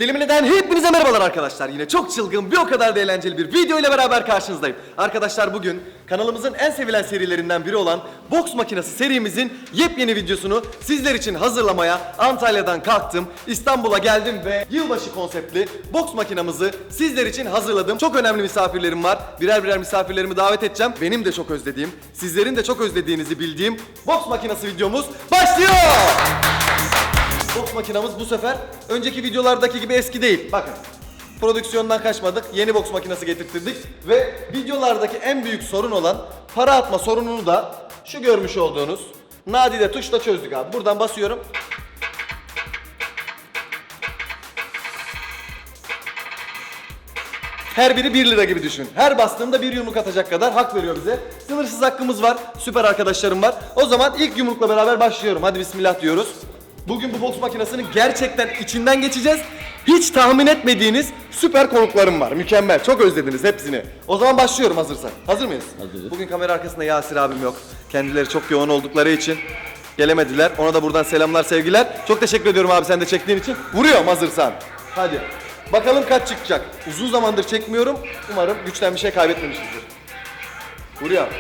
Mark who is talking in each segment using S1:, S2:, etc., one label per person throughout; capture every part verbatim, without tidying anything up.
S1: Dilimli'den hepinize merhabalar arkadaşlar. Yine çok çılgın, bir o kadar da eğlenceli bir video ile beraber karşınızdayım. Arkadaşlar bugün kanalımızın en sevilen serilerinden biri olan Boks Makinesi serimizin yepyeni videosunu sizler için hazırlamaya Antalya'dan kalktım. İstanbul'a geldim ve yılbaşı konseptli boks makinamızı sizler için hazırladım. Çok önemli misafirlerim var. Birer birer misafirlerimi davet edeceğim. Benim de çok özlediğim, sizlerin de çok özlediğinizi bildiğim boks makinesi videomuz başlıyor. Boks makinamız bu sefer önceki videolardaki gibi eski değil. Bakın, prodüksiyondan kaçmadık, yeni boks makinesi getirttirdik ve videolardaki en büyük sorun olan para atma sorununu da şu görmüş olduğunuz nadide tuşla çözdük abi. Buradan basıyorum. Her biri bir lira gibi düşün. Her bastığımda bir yumruk atacak kadar hak veriyor bize. Sınırsız hakkımız var. Süper arkadaşlarım var. O zaman ilk yumrukla beraber başlıyorum. Hadi bismillah diyoruz. Bugün bu boks makinesinin gerçekten içinden geçeceğiz. Hiç tahmin etmediğiniz süper konuklarım var. Mükemmel. Çok özlediniz hepsini. O zaman başlıyorum hazırsan. Hazır mıyız?
S2: Hazırız.
S1: Bugün kamera arkasında Yasir abim yok. Kendileri çok yoğun oldukları için gelemediler. Ona da buradan selamlar, sevgiler. Çok teşekkür ediyorum abi sen de çektiğin için. Vuruyorum hazırsan. Hadi. Bakalım kaç çıkacak. Uzun zamandır çekmiyorum. Umarım güçten bir şey kaybetmemişizdir. Vuruyorum.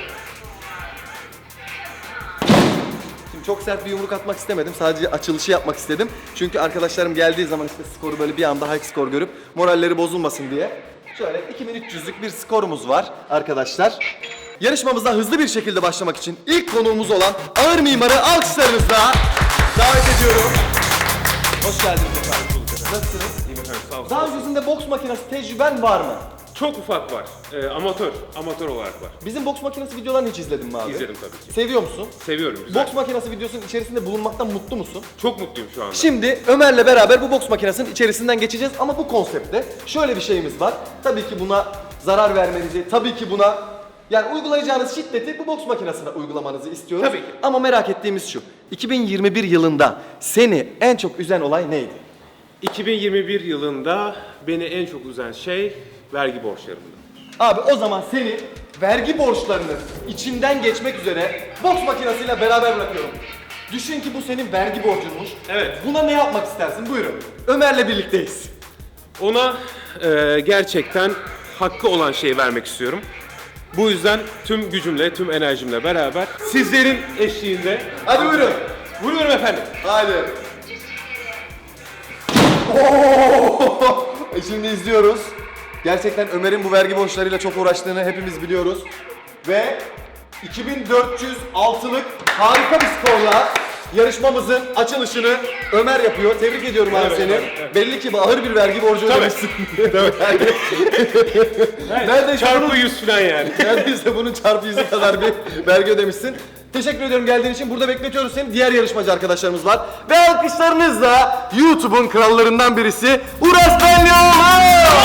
S1: Çok sert bir yumruk atmak istemedim. Sadece açılışı yapmak istedim. Çünkü arkadaşlarım geldiği zaman işte skoru böyle bir anda high skor görüp moralleri bozulmasın diye. Şöyle iki bin üç yüzlük bir skorumuz var arkadaşlar. Yarışmamıza hızlı bir şekilde başlamak için ilk konuğumuz olan Ağır Mimar'ı alkışlarınızla davet ediyorum. Hoş geldiniz efendim. Nasılsınız?
S3: İyiyim efendim, sağ olun.
S1: Daha öncesinde boks makinesi tecrüben var mı?
S3: Çok ufak var. Ee, amatör, amatör olarak var.
S1: Bizim boks makinesi videolarını hiç izledin mi abi?
S3: İzledim tabii ki.
S1: Seviyor musun?
S3: Seviyorum, güzel.
S1: Boks makinesi videosunun içerisinde bulunmaktan mutlu musun?
S3: Çok mutluyum şu anda.
S1: Şimdi Ömer'le beraber bu boks makinesinin içerisinden geçeceğiz ama bu konseptte şöyle bir şeyimiz var. Tabii ki buna zarar vermenizi, tabii ki buna yani uygulayacağınız şiddeti bu boks makinesine uygulamanızı istiyoruz.
S3: Tabii ki.
S1: Ama merak ettiğimiz şu. iki bin yirmi bir yılında seni en çok üzen olay neydi?
S3: iki bin yirmi bir yılında beni en çok üzen şey vergi borçlarımdı.
S1: Abi o zaman seni vergi borçlarının içinden geçmek üzere boks makinesiyle beraber bırakıyorum. Düşün ki bu senin vergi borcunmuş.
S3: Evet.
S1: Buna ne yapmak istersin? Buyurun. Ömer'le birlikteyiz.
S3: Ona e, gerçekten hakkı olan şeyi vermek istiyorum. Bu yüzden tüm gücümle, tüm enerjimle beraber sizlerin eşliğinde...
S1: Hadi buyurun.
S3: Vuruyorum efendim.
S1: Hadi. Oo! E şimdi izliyoruz. Gerçekten Ömer'in bu vergi borçlarıyla çok uğraştığını hepimiz biliyoruz. Ve iki bin dört yüz altılık harika bir skorla yarışmamızın açılışını Ömer yapıyor. Tebrik ediyorum abi
S3: Evet,
S1: seni.
S3: evet, evet.
S1: Belli ki ağır bir vergi borcu
S3: Tabii.
S1: ödemişsin.
S3: Evet.
S1: Neredeyse
S3: Çarpı
S1: bunun,
S3: yüz falan yani.
S1: neredeyse bunun çarpı yüzü kadar bir vergi ödemişsin. Teşekkür ediyorum geldiğin için. Burada bekletiyoruz seni. Diğer yarışmacı arkadaşlarımız var. Ve alkışlarınızla YouTube'un krallarından birisi Uras Benlioğlu.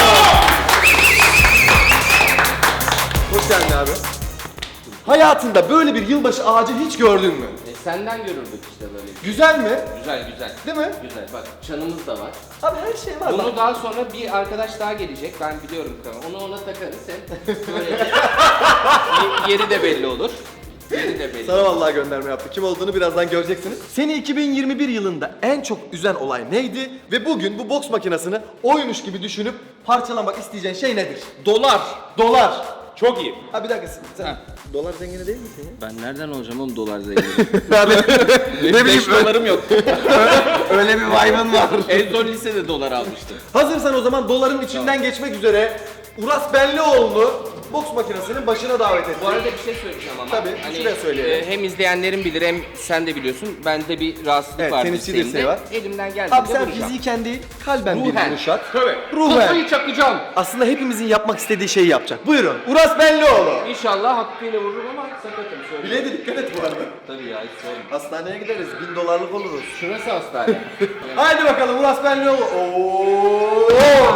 S1: Hoş geldin abi. Hayatında böyle bir yılbaşı ağacı hiç gördün mü?
S2: E, senden görürdük işte böyle.
S1: Güzel mi?
S2: Güzel güzel.
S1: Değil mi?
S2: Güzel. Bak çanımız da var.
S1: Abi her şey var.
S2: Bunu
S1: bak.
S2: daha sonra bir arkadaş daha gelecek. Ben biliyorum tamam. Onu ona takarız hem böyle ye- yeri de belli olur. Yeri de belli.
S1: Sana vallahi gönderme yaptı. Kim olduğunu birazdan göreceksiniz. Seni iki bin yirmi bir yılında en çok üzen olay neydi? Ve bugün bu boks makinesini oymuş gibi düşünüp parçalamak isteyeceğin şey nedir?
S3: Dolar.
S1: Dolar.
S3: Çok iyi.
S1: Ha bir dakika sen
S2: Ha.
S1: dolar zengini değil misin ya?
S2: Ben nereden olacağım oğlum dolar zengini?
S1: Abi ne bileyim
S2: beş dolarım yok.
S1: öyle bir vibe'ın var.
S2: En son lisede dolar almıştım.
S1: Hazırsan o zaman doların içinden geçmek üzere Uras Benlioğlu'nu boks makinesinin başına davet ettim.
S2: Bu arada bir şey söyleyeceğim ama.
S1: Tabii, şuraya söyleyelim.
S2: e, hem izleyenlerin bilir hem sen de biliyorsun. Bende bir rahatsızlık
S1: Evet,
S2: var.
S1: tenisçi
S2: dirseğimde.
S1: dirseği var.
S2: Elimden geldiğince
S1: Abi sen
S2: vuracağım.
S1: fiziken değil kalben bir
S2: Ruhen.
S1: vuruş at.
S3: Tabii.
S1: Ruhen.
S2: Kafayı çakacağım.
S1: Aslında hepimizin yapmak istediği şeyi yapacak. Buyurun. Uras Benlioğlu.
S2: İnşallah hakkıyla vururum ama sakatım söyleyeyim.
S1: Bileğe de dikkat et bu arada.
S2: Tabii ya hiç sorma.
S1: Hastaneye gideriz. Bin dolarlık oluruz.
S2: Şurası hastane.
S1: Haydi bakalım Uras Benlioğlu. Oo!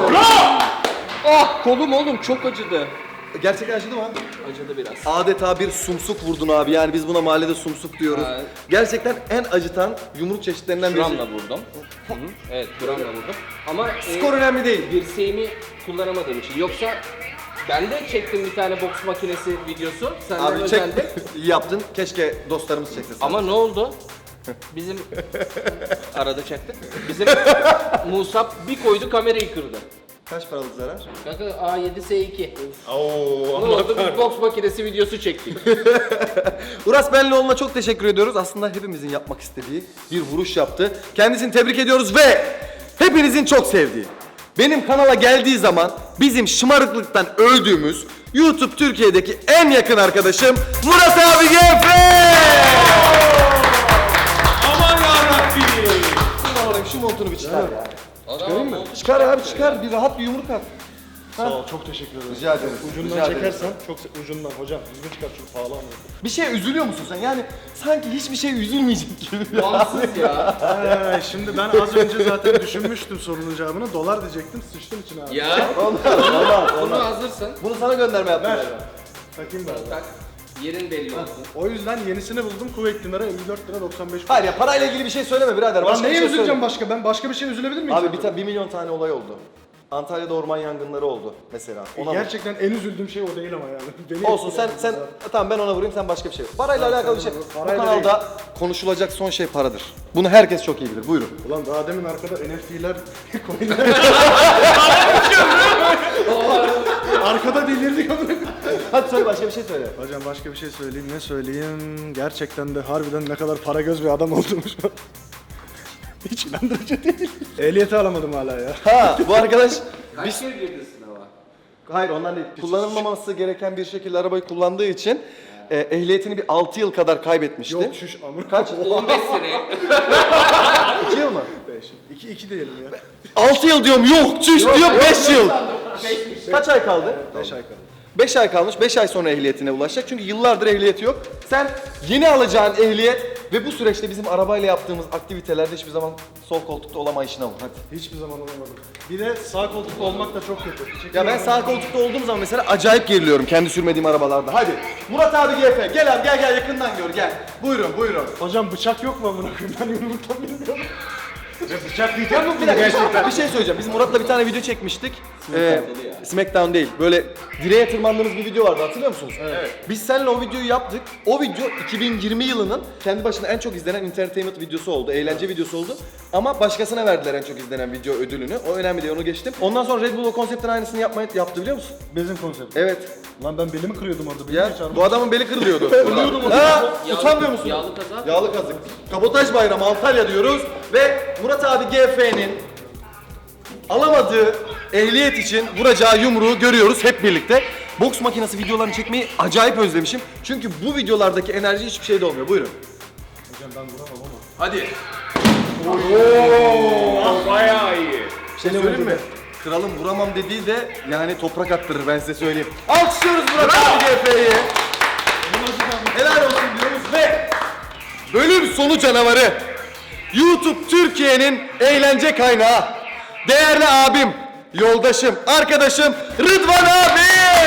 S2: Ah kolum oğlum çok acıdı.
S1: Gerçekten acıdı mı?
S2: Acıdı biraz.
S1: Adeta bir sumsuk vurdun abi. Yani biz buna mahallede sumsuk diyoruz.
S2: Evet.
S1: Gerçekten en acıtan yumruk çeşitlerinden birisi.
S2: Gramla vurdum. Hı hı. Evet gramla vurdum. Ama e,
S1: Skor önemli değil.
S2: dirseğimi kullanamadığım için. Yoksa ben de çektim bir tane boks makinesi videosu. Senden
S1: Abi çek.
S2: özendim.
S1: İyi yaptın. Keşke dostlarımız çekse.
S2: Ama ne oldu? Bizim arada çaktık. Bizim Musab bir koydu kamerayı kırdı.
S1: Kaç paralık zarar?
S2: Kanka A yedi S iki.
S3: Oo,
S2: Ne
S3: Allah
S2: oldu?
S3: kahretsin.
S2: Bir boks makinesi videosu çektik.
S1: Uras Benlioğlu'na çok teşekkür ediyoruz. Aslında hepimizin yapmak istediği bir vuruş yaptı. Kendisini tebrik ediyoruz ve hepinizin çok sevdiği, benim kanala geldiği zaman bizim şımarıklıktan öldüğümüz YouTube Türkiye'deki en yakın arkadaşım Murat abi G F!
S3: Aman yarabbim.
S1: Şuna bakayım, şu montunu bir çıkar ya.
S2: Adam mı?
S1: Çıkar abi çıkar, bir rahat bir yumruk at.
S4: Sağ ol, çok teşekkür ederim.
S1: Rica ederim.
S4: Ucundan
S1: rica ederim.
S4: çekersen, çok se- ucundan hocam. Düzgün çıkar çünkü pahalı ama.
S1: Bir şeye üzülüyor musun sen? Yani sanki hiçbir şey üzülmeyecek gibi.
S2: Bağımsız ya.
S4: Ee, şimdi ben az önce zaten düşünmüştüm sorunun cevabını. Dolar diyecektim, sıçtım içine abi.
S2: Ya.
S1: Olmaz, olmaz,
S2: Bunu
S1: olmaz.
S2: hazırsın.
S1: Bunu sana gönderme yaptım.
S4: Ver.
S1: ben.
S4: Takayım ben.
S2: Tak. Yerin belli olsun.
S4: O yüzden yenisini buldum. Kuveyt dinarı elli dört lira doksan beş kuruş.
S1: Hayır ya, parayla ilgili bir şey söyleme birader.
S4: Lan
S1: Başka bir
S4: neye
S1: şey
S4: üzüleceğim
S1: söyle.
S4: başka? Ben başka bir şey üzülebilir miyim?
S1: Abi bir, ta- bir milyon tane olay oldu. Antalya'da orman yangınları oldu mesela. Ona bak.
S4: Gerçekten en üzüldüğüm şey o değil ama yani. Beni
S1: Olsun sen
S4: etkiledi
S1: sen
S4: zaten.
S1: tamam ben ona vurayım, sen başka bir şey. Parayla
S4: Tamam,
S1: alakalı bir
S4: sen
S1: şey.
S4: vur.
S1: Bu
S4: Parayla
S1: kanalda konuşulacak son şey paradır. Bunu herkes çok iyi bilir. Buyurun.
S4: Ulan daha demin arkada N F T'ler coinler. Arkada delirdik ama.
S1: Hadi söyle, başka bir şey söyle.
S4: Hocam başka bir şey söyleyeyim. Ne söyleyeyim? Gerçekten de harbiden ne kadar para göz bir adam olduğumu şu an. Hiç inandırıcı değil. Ehliyeti alamadım hala ya.
S1: Ha bu arkadaş
S2: Kaç kere girdin sınava?
S1: hayır ondan değil. Kullanılmaması gereken bir şekilde arabayı kullandığı için e, ehliyetini bir altı yıl kadar kaybetmişti.
S4: Yok şuş amına.
S1: Kaç?
S2: on beş sene.
S1: iki yıl mı?
S4: beş. iki iki diyelim ya.
S1: altı yıl diyorum, yok çüş diyor beş yıl. Kaç ay kaldı?
S4: beş ay kaldı.
S1: beş ay kalmış. beş ay sonra ehliyetine ulaşacak. Çünkü yıllardır ehliyeti yok. Sen yeni alacağın ehliyet ve bu süreçte bizim arabayla yaptığımız aktivitelerde hiçbir zaman sol koltukta olamayışına vur. Hadi.
S4: Hiçbir zaman olamadım. Bir de sağ koltukta olmak da çok kötü.
S1: Ya ben sağ koltukta olduğum zaman mesela acayip geriliyorum kendi sürmediğim arabalarda. Hadi. Murat abi G F. Gel abi, gel gel yakından gör gel. Buyurun buyurun.
S4: Hocam bıçak yok mu amına koyayım? Ben yumruktan bilmiyorum. Bıçak diyeceğim mi
S1: Bir dakika bir şey söyleyeceğim. Biz Murat'la bir tane video çekmiştik. Ee, Smackdown değil. Böyle direğe tırmandığımız bir video vardı, hatırlıyor musunuz? Evet. Biz seninle o videoyu yaptık. O video iki bin yirmi yılının kendi başına en çok izlenen entertainment videosu oldu. Eğlence videosu oldu. Ama başkasına verdiler en çok izlenen video ödülünü. O önemli değil, onu geçtim. Ondan sonra Red Bull o konseptin aynısını yapmayı yaptı, biliyor musun?
S4: Bezin konsepti.
S1: Evet.
S4: Lan ben belimi kırıyordum orada. Belimi
S1: Ya
S4: çarptım.
S1: bu adamın beli kırılıyordu.
S4: Ölüyordum
S1: Ha,
S2: Yağlı-
S1: utanmıyor musun?
S2: Yağlı kazak.
S1: Yağlı kazık. Kabotaj Bayramı Antalya diyoruz ve Murat abi G F'nin alamadığı ehliyet için vuracağı yumruğu görüyoruz hep birlikte. Boks makinesi videolarını çekmeyi acayip özlemişim. Çünkü bu videolardaki enerji hiçbir şeyde olmuyor. Buyurun.
S4: Hocam ben vuramam ama.
S1: Hadi.
S3: Bayağı iyi.
S1: Bir şey söyleyeyim mi? Kralın vuramam dediği de yani toprak attırır, ben size söyleyeyim. Alkışlıyoruz Murat abi G F'yi. Helal olsun diyoruz ve bölüm sonu canavarı YouTube Türkiye'nin eğlence kaynağı, değerli abim, yoldaşım, arkadaşım Rıdvan abi.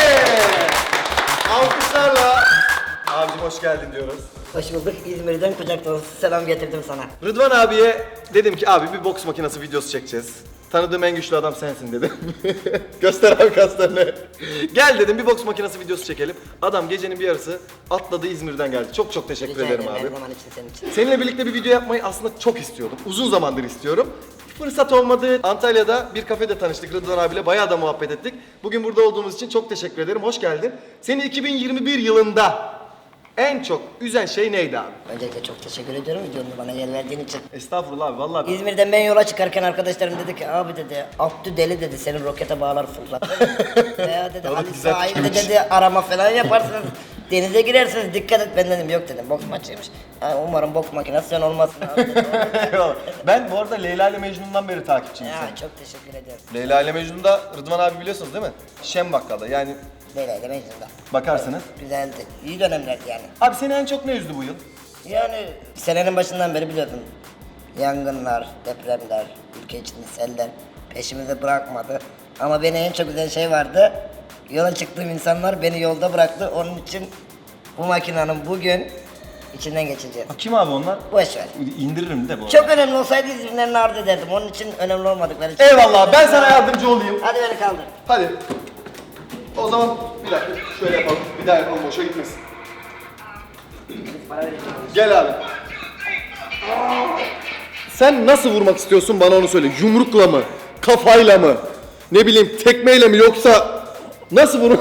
S1: Alkışlarla abicim hoş geldin diyoruz.
S5: Hoş bulduk. İzmir'den kucak dolusu selam getirdim sana.
S1: Rıdvan abiye dedim ki abi bir boks makinesi videosu çekeceğiz. Tanıdığım en güçlü adam sensin dedim. Göster abi kaslarını. Gel dedim bir boks makinesi videosu çekelim. Adam gecenin bir yarısı atladı, İzmir'den geldi. Çok çok teşekkür
S5: Rica
S1: ederim
S5: ederim,
S1: abi.
S5: her zaman için senin için.
S1: Seninle birlikte bir video yapmayı aslında çok istiyordum. Uzun zamandır istiyorum. Fırsat olmadı. Antalya'da bir kafede tanıştık Rıdvan abiyle. Bayağı da muhabbet ettik. Bugün burada olduğumuz için çok teşekkür ederim. Hoş geldin. Seni iki bin yirmi bir yılında en çok üzen şey neydi abi?
S5: Öncelikle çok teşekkür ediyorum videonu bana yer verdiğin için.
S1: Estağfurullah abi vallahi. ben-
S5: İzmir'den ben yola çıkarken arkadaşlarım dedi ki abi dedi Abdü deli dedi senin rokete bağlar fırlar. Veya dedi
S1: Doğru,
S5: Ali
S1: güzel
S5: sahibi de
S1: fikirmiş.
S5: dedi arama falan yaparsınız. Denize girersiniz dikkat et, ben dedim yok dedim boks maçıymış. Ha, umarım boks makinesi sen olmasın abi dedim.
S1: Eyvallah. Ben bu arada Leyla ile Mecnun'dan beri takipçiyim
S5: Ya
S1: seni.
S5: çok teşekkür ederim.
S1: Leyla ile Mecnun'da Rıdvan abi biliyorsunuz değil mi? Şem Bakkal'da yani
S5: Leyla ile Mecnun'da.
S1: bakarsınız.
S5: Güzeldi. İyi dönemlerdi yani.
S1: Abi seni en çok ne üzdü bu yıl?
S5: Yani senenin başından beri biliyordum. Yangınlar, depremler, ülke içinde seller peşimizi bırakmadı. Ama beni en çok üzen şey vardı. Yola çıktığım insanlar beni yolda bıraktı. Onun için bu makinenin bugün içinden geçeceğiz.
S1: Kim abi onlar?
S5: Boş ver.
S1: İndiririm de bu arada.
S5: Çok önemli olsaydı İzmirlerini arz ederdim. Onun için önemli olmadıkları için.
S1: Eyvallah ben sana yardımcı olayım.
S5: Hadi beni kaldır.
S1: Hadi. O zaman bir dakika şöyle yapalım. Bir daha yapalım, boşa gitmesin. Gel abi. Sen nasıl vurmak istiyorsun bana onu söyle. Yumrukla mı? Kafayla mı? Ne bileyim tekmeyle mi yoksa nasıl bunu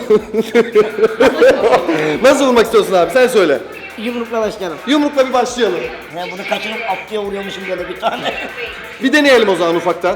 S1: nasıl vurmak istiyorsun abi sen söyle.
S5: Yumrukla başlayalım.
S1: Yumrukla bir başlayalım.
S5: Ya bunu kaçırıp atlıya vuruyormuşum böyle bir tane.
S1: Bir deneyelim o zaman ufaktan.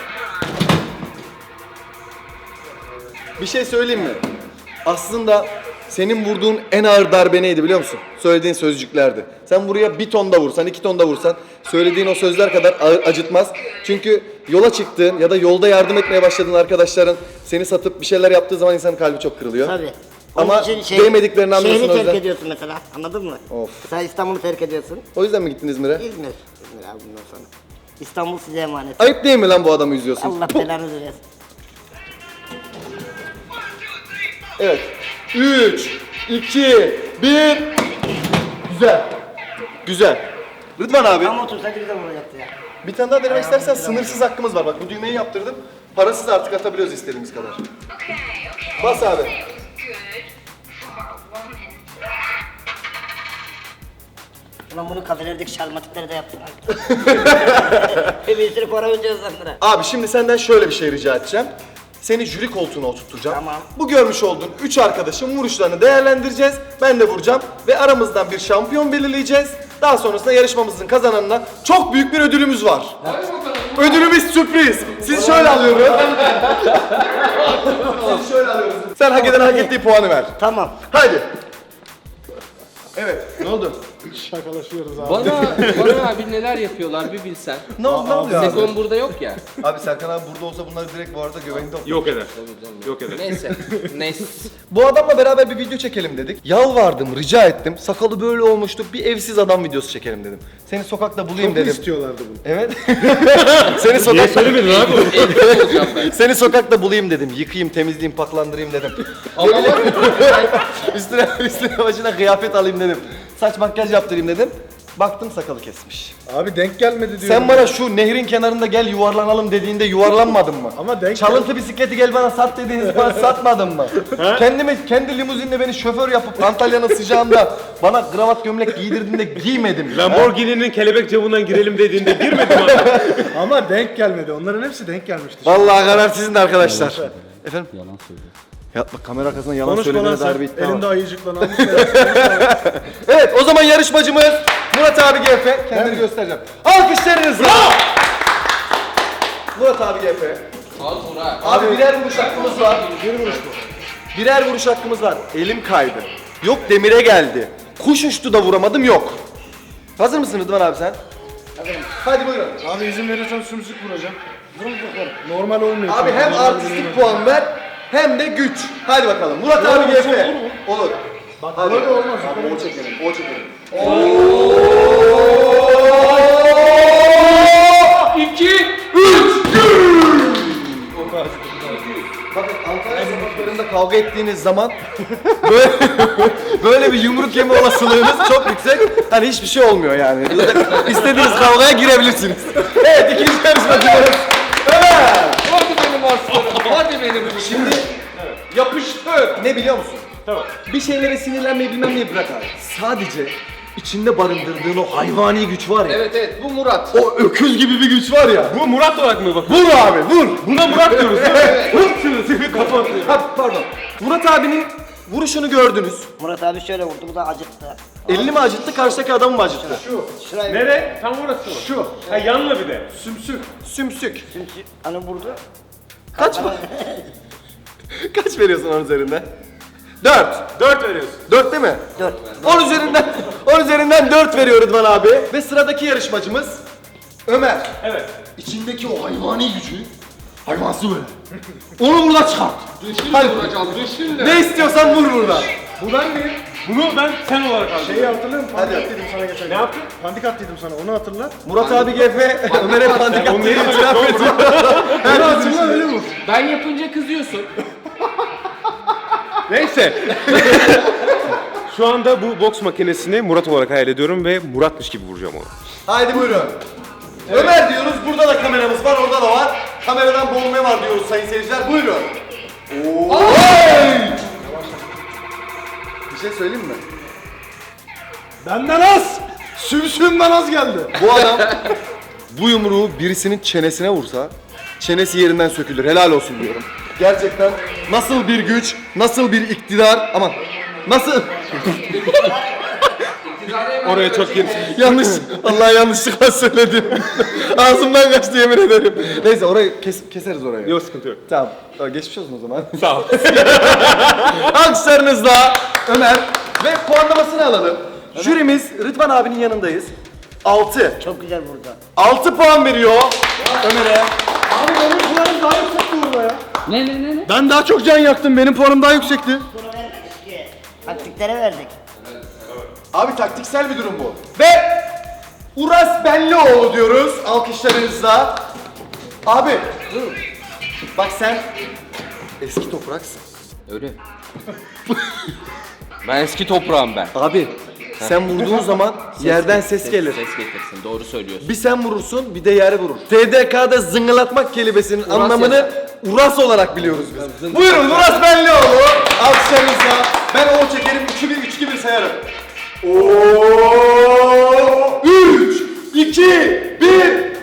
S1: Bir şey söyleyeyim mi? Aslında senin vurduğun en ağır darbe neydi biliyor musun? Söylediğin sözcüklerdi. Sen buraya bir ton da vursan, iki ton da vursan söylediğin o sözler kadar ağır, acıtmaz. Çünkü yola çıktığın ya da yolda yardım etmeye başladığın arkadaşların seni satıp bir şeyler yaptığı zaman insanın kalbi çok kırılıyor.
S5: Tabii.
S1: Ama
S5: Onun için şey-
S1: değmediklerini anlıyorsun o
S5: Şehri terk
S1: yüzden.
S5: ediyorsun mesela. Anladın mı?
S1: Of.
S5: Sen İstanbul'u terk ediyorsun.
S1: O yüzden mi gittin İzmir'e?
S5: İzmir. İzmir abi bundan sonra. İstanbul size emanet.
S1: Ayıp değil mi lan bu adamı üzüyorsun?
S5: Allah belanızı versin.
S1: Evet. üç, iki, bir. Güzel. Güzel. Rıdvan abi.
S5: Ama otursaydı güzel olacaktı ya.
S1: Bir tane daha denemek istersen sınırsız hakkımız var. Bak bu düğmeyi yaptırdım. Parasız artık atabiliyoruz istediğimiz kadar. Bas abi.
S5: Ulan bunu kafelerdeki şarlamatikleri de yaptılar. Bir sürü para ödüyoruz onlara.
S1: Abi şimdi senden şöyle bir şey rica edeceğim. Seni jüri koltuğuna oturtacağım.
S5: Tamam.
S1: Bu görmüş olduğun üç arkadaşın vuruşlarını değerlendireceğiz. Ben de vuracağım ve aramızdan bir şampiyon belirleyeceğiz. Daha sonrasında yarışmamızın kazananına çok büyük bir ödülümüz var. Ödülümüz sürpriz. Sizi şöyle alıyorum. Sizi şöyle alıyorum. Sen hak eden hak ettiği puanı ver.
S5: Tamam.
S1: Haydi. Evet. Ne oldu?
S4: Şakalaşıyoruz abi.
S2: Bana, bana abi neler yapıyorlar bir bilsen.
S1: Ne oldu? Ne oluyor abi?
S2: Sekon burada yok ya.
S1: Abi Serkan abi burada olsa bunları direkt bu arada göbeğinde oturur.
S3: Yok eder. Yok eder.
S2: Neyse. Neyse.
S1: Bu adamla beraber bir video çekelim dedik. Yalvardım, rica ettim. Sakalı böyle olmuştu. Bir evsiz adam videosu çekelim dedim. Seni sokakta bulayım
S4: Çok
S1: dedim.
S4: istiyorlardı bunu.
S1: Evet. Seni
S3: Niye
S1: sokakta
S3: söylemedin abi?
S2: Evde olacağım ben.
S1: Seni sokakta bulayım dedim. Yıkayayım, temizleyeyim, paklandırayım dedim.
S2: Ama var
S1: üstüne üstüne başına kıyafet alayım dedim. Saç makyaj yaptırayım dedim. Baktım sakalı kesmiş.
S4: Abi denk gelmedi diyorum.
S1: Sen bana şu nehrin kenarında gel yuvarlanalım dediğinde yuvarlanmadın mı?
S4: Ama denk
S1: Çalıntı bisikleti gel bana sat dediğiniz bana satmadın mı? Kendimi kendi limuzinle beni şoför yapıp Antalya'nın sıcağında bana kravat gömlek giydirdiğinde giymedim mi?
S3: Lamborghini'nin kelebek camından girelim dediğinde girmedim abi.
S4: Ama denk gelmedi. Onların hepsi denk gelmişti.
S1: Vallahi karar sizin de arkadaşlar. Efendim? Yalan söylüyor. Ya bak kamera arkasında yalan
S4: Konuşma lan
S1: söylediğine
S4: sen.
S1: dair bir iddia
S4: Elinde
S1: var.
S4: ayıcıkla namus.
S1: Evet o zaman yarışmacımız Murat abi G F. Kendini göstereceğim. Alkışlarınızla. Murat abi G F.
S2: Az Murat.
S1: Abi birer vuruş hakkımız var. Bir vuruş bu. Birer vuruş hakkımız var. Elim kaydı. Yok demire geldi. Kuş uçtu da vuramadım yok. Hazır mısın Rıdvan abi sen? Hazırım. Hadi buyurun.
S4: Abi izin verirsen sümsük vuracağım. Vurun bakalım. Normal olmuyor.
S1: Abi hem artistik puan ver hem de güç. Hadi bakalım. Murat abi G F. Olur.
S4: Bak
S1: Hadi.
S4: böyle olmaz.
S1: Abi o çekelim, o çekelim.
S2: İki.
S1: Bakın Ankara sokaklarında kavga ettiğiniz zaman böyle, böyle bir yumruk yeme olasılığınız çok yüksek. Hani hiçbir şey olmuyor yani. İstediğiniz kavgaya girebilirsiniz. Evet ikinci yarışmacımız Ömer.
S2: Hadi benim aslanım. Hadi benim.
S1: Şimdi yapıştır. Ne biliyor musun? Tamam. Bir şeylere sinirlenmeyi bilmem neyi bırak abi. Sadece içinde barındırdığın o hayvani güç var ya.
S2: Evet evet bu Murat.
S1: O öküz gibi bir güç var ya.
S3: Bu Murat olarak mı bak?
S1: Vur abi vur.
S3: Buna Murat diyoruz. Vur şunu seni kafa atıyor.
S1: Ha, pardon. Murat abinin vuruşunu gördünüz.
S5: Murat abi şöyle vurdu, bu da acıttı.
S1: Elini mi acıttı, karşıdaki adamı mı acıttı?
S5: Şurayı
S3: Nere? Tam orası mı?
S1: Şu.
S3: Ha yanla bir de.
S1: Sümsük. Sümsük.
S5: Sümsük. Hani vurdu.
S1: Kaç mı? Kaç veriyorsun onun üzerinden? Dört.
S3: Dört veriyorsun.
S1: Dört değil mi?
S5: Dört.
S1: On üzerinden, on üzerinden dört veriyor Rıdvan abi. Ve sıradaki yarışmacımız Ömer.
S3: Evet.
S1: İçindeki o hayvani gücü, hayvansı böyle. Onu burada çıkart. Hadi.
S2: Vuracağım düşünle.
S1: Ne istiyorsan vur burada.
S3: Bu ben miyim? Bunu ben sen olarak aldım.
S4: Şeyi hatırlıyor musun? Pandik
S1: Hadi.
S4: attıydım sana geçen gün.
S3: Ne yaptın?
S4: Pandik attıydım sana, onu hatırla.
S1: Murat abi G F, Ömer'e pandik
S3: Onu
S1: attığını
S3: neyi
S1: itiraf ediyor.
S4: Onu hatırla, öyle vur.
S2: Ben yapınca kızıyorsun.
S3: Neyse. Şu anda bu boks makinesini Murat olarak hayal ediyorum ve Muratmış gibi vuracağım onu.
S1: Haydi buyurun. Ömer diyoruz, burada da kameramız var, orada da var. Kameradan boğulma var diyoruz sayın seyirciler, buyurun. Oo. Bir şey söyleyeyim mi?
S4: Benden az. Sümsüğümden az geldi.
S1: Bu adam bu yumruğu birisinin çenesine vursa çenesi yerinden sökülür. Helal olsun diyorum. Gerçekten nasıl bir güç, nasıl bir iktidar, aman nasıl
S3: Oraya çok gir.
S1: yanlış, vallahi yanlışlıkla söyledim. Ağzımdan kaçtı yemin ederim. Neyse orayı kes, keseriz orayı.
S3: Yok sıkıntı yok.
S1: Tamam. Tamam, geçmiş olsun o zaman.
S3: Sağ ol.
S1: Alkışlarınızla Ömer ve puanlamasını alalım. Jürimiz Rıdvan abinin yanındayız. altı.
S5: Çok güzel vurdu.
S1: altı puan veriyor Ömer'e.
S4: Abi benim puanım daha yüksekti burada ya.
S2: Ne ne ne ne?
S4: Ben daha çok can yaktım. Benim puanım daha yüksekti.
S5: Bunu vermedik ki. Taktiklere verdik.
S1: Abi taktiksel bir durum bu. Ve Uras Benlioğlu diyoruz alkışlarınızla. Abi bak sen eski topraksın.
S2: Öyle. Ben eski toprağım ben.
S1: Abi sen vurduğun zaman yerden ses gelir.
S2: Ses getirsin. Doğru söylüyorsun.
S1: Bir sen vurursun bir de yere vurur. T D K'da zıngılatmak kelimesinin anlamını Uras olarak biliyoruz biz. Buyurun Uras Benlioğlu. Alkışlarınızla ben o çekerim iki bir üç iki bir sayarım. Oo! üç iki bir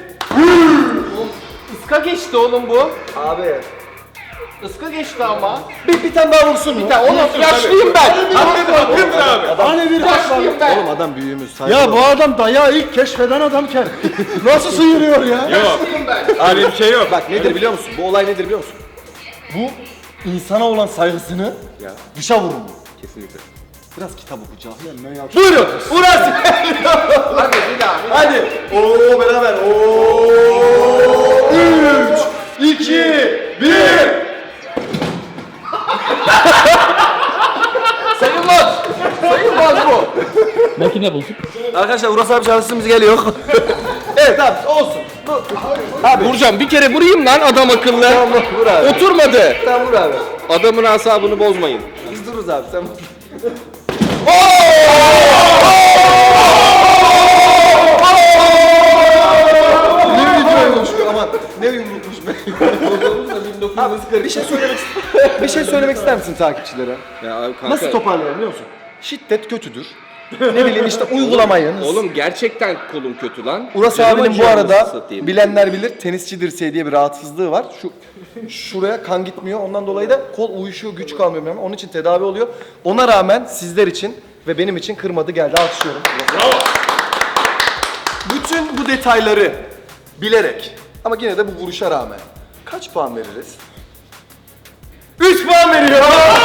S2: Iska geçti oğlum bu.
S1: Abi
S2: Iska geçti ama.
S1: bir, bir tane daha vursun mu?
S2: Oğlum yaşlıyım ben.
S4: Hani bir
S2: Yaşlıyım ben.
S1: Oğlum adam büyüğümüz. saygı
S4: Ya
S1: ol.
S4: bu adam dayağı ilk keşfeden adamken nasıl sıyırıyor ya?
S3: Yok. Öyle bir şey yok.
S1: Bak nedir biliyor musun? Bu olay nedir biliyor musun? Bu insana olan saygısını dışa vurur.
S3: Kesinlikle.
S1: Biraz kitap okuyacağım. Buyurun Uras.
S2: Hadi bir daha. bir daha.
S1: Hadi. Oo beraber. Oo. üç iki bir
S2: Sayılmaz. Sayılmaz bu.
S6: Makine bulduk.
S1: Arkadaşlar Uras abi şansımız geliyor. Evet tamam olsun. Bu- Abi
S2: Vuracağım. Bir kere vurayım lan adam akıllı.
S1: tamam vur abi.
S2: Oturmadı.
S1: Tamam vur abi.
S2: Adamın asabını bozmayın.
S1: Biz dururuz abi sen. Ne videoymuş bu aman. Ne yumrukmuş be. Abi bir şey söylemek bir şey söylemek ister misin takipçilere?
S2: Ya abi kanka.
S1: Nasıl toparlayalım biliyor musun? Şiddet kötüdür. Ne bileyim işte uygulamayın.
S2: Oğlum gerçekten kolum kötü lan.
S1: Uras
S2: Canım
S1: abinin bu
S2: acıyor
S1: arada
S2: anasını satayım.
S1: bilenler bilir tenisçi dirseği diye bir rahatsızlığı var. Şu şuraya kan gitmiyor. Ondan dolayı da kol uyuşuyor, güç kalmıyor. Bilmem. Onun için tedavi oluyor. Ona rağmen sizler için ve benim için kırmadı geldi. Alkışlıyorum. Bravo. Bütün bu detayları bilerek ama yine de bu vuruşa rağmen kaç puan veririz? üç puan veriyor.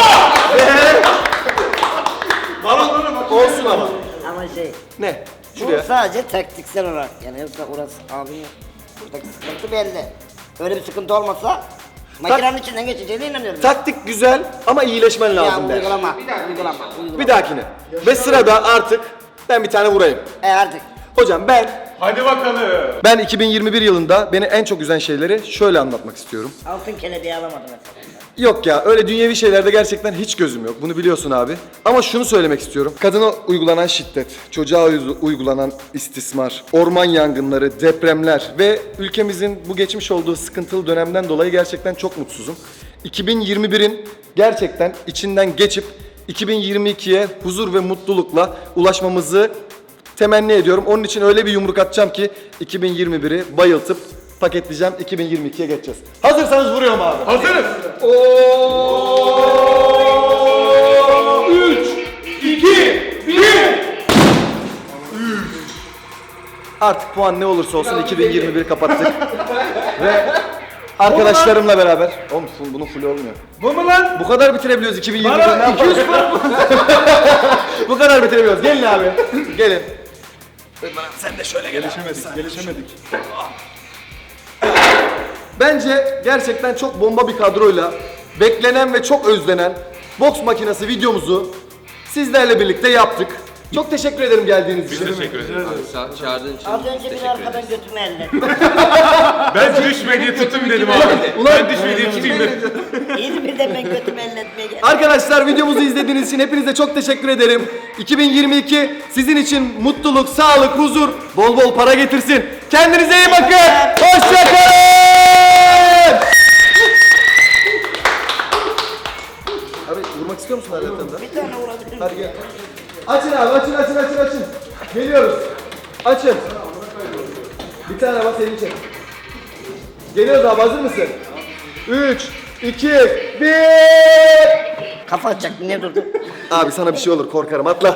S1: Olsun ama.
S5: Ama şey,
S1: Ne?
S5: bu
S1: Şuraya.
S5: sadece taktiksel olarak yani yoksa Uras abinin buradaki sıkıntı belli. Öyle bir sıkıntı olmasa makinenin içinden geçeceğine inanıyorum.
S1: Taktik güzel ama iyileşmen
S5: ya
S1: lazım der.
S5: uygulama, uygulama, uygulama.
S1: Bir dahakine. Ve sırada artık ben bir tane vurayım.
S5: E artık.
S1: Hocam ben
S3: Hadi bakalım.
S1: ben iki bin yirmi bir yılında beni en çok üzen şeyleri şöyle anlatmak istiyorum.
S5: Altın kelebeği alamadı mesela.
S1: Yok ya öyle dünyevi şeylerde gerçekten hiç gözüm yok. Bunu biliyorsun abi. Ama şunu söylemek istiyorum. Kadına uygulanan şiddet, çocuğa uy- uygulanan istismar, orman yangınları, depremler ve ülkemizin bu geçmiş olduğu sıkıntılı dönemden dolayı gerçekten çok mutsuzum. iki bin yirmi birin gerçekten içinden geçip iki bin yirmi ikiye huzur ve mutlulukla ulaşmamızı temenni ediyorum. Onun için öyle bir yumruk atacağım ki iki bin yirmi biri bayıltıp paketleyeceğim. iki bin yirmi ikiye geçeceğiz. Hazırsanız vuruyorum abi.
S3: Hazırız. üç, iki, bir.
S1: Artık puan ne olursa olsun iki bin yirmi bir kapattık. Ve arkadaşlarımla beraber. Oğlum full- bunun full olmuyor.
S4: Bu mu lan?
S1: Bu kadar bitirebiliyoruz iki bin yirmi birde ne
S4: Bana iki yüz
S1: yapalım? Bu kadar bitirebiliyoruz. Gelin abi. Gelin. Sen de şöyle gel.
S4: Gelişemedik, gelişemedik.
S1: Bence gerçekten çok bomba bir kadroyla beklenen ve çok özlenen boks makinesi videomuzu sizlerle birlikte yaptık. Çok teşekkür ederim geldiğiniz için.
S3: Teşekkür ederim.
S2: Sa- çağırdığın için
S5: Az önce bir
S2: teşekkür
S5: arkadan
S2: ederiz.
S5: götümü elletti.
S3: Ben düşme diye tutayım dedim abi. Ben düşme diye tutayım dedim.
S5: İzmir'den ben götümü elletmeye geldim.
S1: Arkadaşlar videomuzu izlediğiniz için hepinize çok teşekkür ederim. iki bin yirmi iki sizin için mutluluk, sağlık, huzur, bol bol para getirsin. Kendinize iyi bakın. Hoşçakalın. Abi vurmak istiyor musun hayatında?
S5: Bir tane vurabilirim.
S1: Hadi gel. Açın abi açın açın açın açın. Geliyoruz. Açın. Bir tane var senin için. Geliyoruz abi, hazır mısın? üç, iki, bir.
S5: Kafa atacak, niye durdu?
S1: Abi sana bir şey olur, korkarım, atla.